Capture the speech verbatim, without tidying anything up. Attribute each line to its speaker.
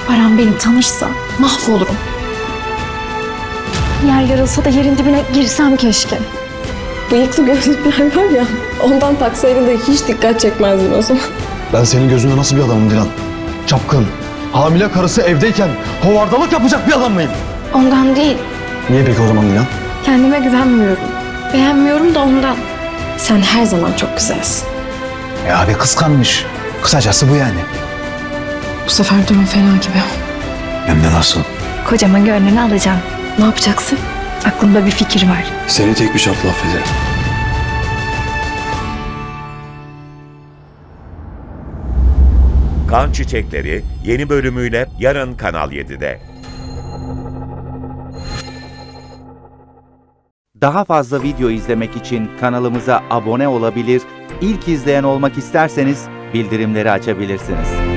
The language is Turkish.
Speaker 1: Baran beni tanırsa mahvolurum.
Speaker 2: Yer yarılsa da yerin dibine girsem keşke.
Speaker 1: Bıyıklı gözlükler var ya, ondan taksaydın da hiç dikkat çekmezdin o zaman.
Speaker 3: Ben senin gözünde nasıl bir adamım Dilan? Çapkın, hamile karısı evdeyken hovardalık yapacak bir adam mıyım?
Speaker 2: Ondan değil.
Speaker 3: Niye peki o zaman Dilan?
Speaker 1: Kendime güvenmiyorum. Beğenmiyorum da ondan. Sen her zaman çok güzelsin.
Speaker 4: E abi kıskanmış. Kısacası bu yani.
Speaker 1: Bu sefer durum fena gibi.
Speaker 4: Hem de nasıl?
Speaker 2: Kocamın gönlünü alacağım.
Speaker 1: Ne yapacaksın?
Speaker 2: Aklımda bir fikir var.
Speaker 3: Seni tek bir şartla affederim.
Speaker 5: Kan Çiçekleri yeni bölümüyle yarın Kanal yedide.
Speaker 6: Daha fazla video izlemek için kanalımıza abone olabilir, ilk izleyen olmak isterseniz bildirimleri açabilirsiniz.